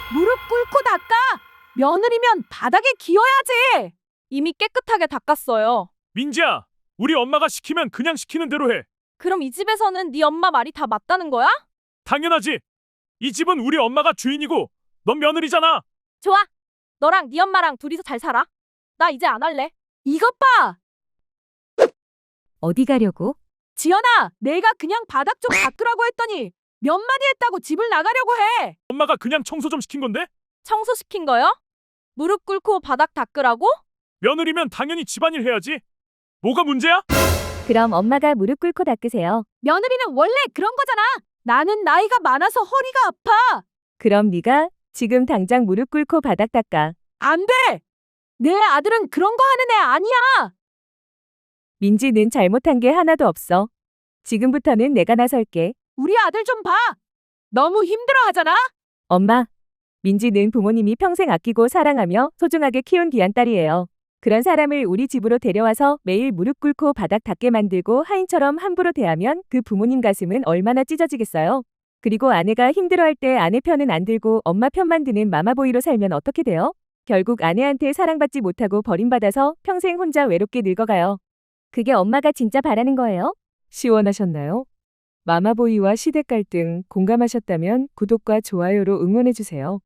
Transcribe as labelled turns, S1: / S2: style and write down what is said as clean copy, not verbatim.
S1: 무릎 꿇고 닦아. 며느리면 바닥에 기어야지. 이미 깨끗하게 닦았어요.
S2: 민지야, 우리 엄마가 시키면 그냥 시키는 대로 해.
S1: 그럼 이 집에서는 네 엄마 말이 다 맞다는 거야?
S2: 당연하지. 이 집은 우리 엄마가 주인이고 넌 며느리잖아.
S1: 좋아. 너랑 네 엄마랑 둘이서 잘 살아. 나 이제 안 할래. 이것 봐.
S3: 어디 가려고?
S1: 지연아, 내가 그냥 바닥 좀 닦으라고 했더니 몇 마디 했다고 집을 나가려고 해.
S2: 엄마가 그냥 청소 좀 시킨 건데?
S1: 청소시킨 거요? 무릎 꿇고 바닥 닦으라고?
S2: 며느리면 당연히 집안일 해야지. 뭐가 문제야?
S3: 그럼 엄마가 무릎 꿇고 닦으세요.
S1: 며느리는 원래 그런 거잖아. 나는 나이가 많아서 허리가 아파.
S3: 그럼 네가 지금 당장 무릎 꿇고 바닥 닦아.
S1: 안 돼. 내 아들은 그런 거 하는 애 아니야.
S3: 민지는 잘못한 게 하나도 없어. 지금부터는 내가 나설게.
S1: 우리 아들 좀 봐. 너무 힘들어하잖아.
S3: 엄마, 민지는 부모님이 평생 아끼고 사랑하며 소중하게 키운 귀한 딸이에요. 그런 사람을 우리 집으로 데려와서 매일 무릎 꿇고 바닥 닦게 만들고 하인처럼 함부로 대하면 그 부모님 가슴은 얼마나 찢어지겠어요. 그리고 아내가 힘들어할 때 아내 편은 안 들고 엄마 편만 드는 마마보이로 살면 어떻게 돼요? 결국 아내한테 사랑받지 못하고 버림받아서 평생 혼자 외롭게 늙어가요. 그게 엄마가 진짜 바라는 거예요? 시원하셨나요? 마마보이와 시댁 갈등 공감하셨다면 구독과 좋아요로 응원해주세요.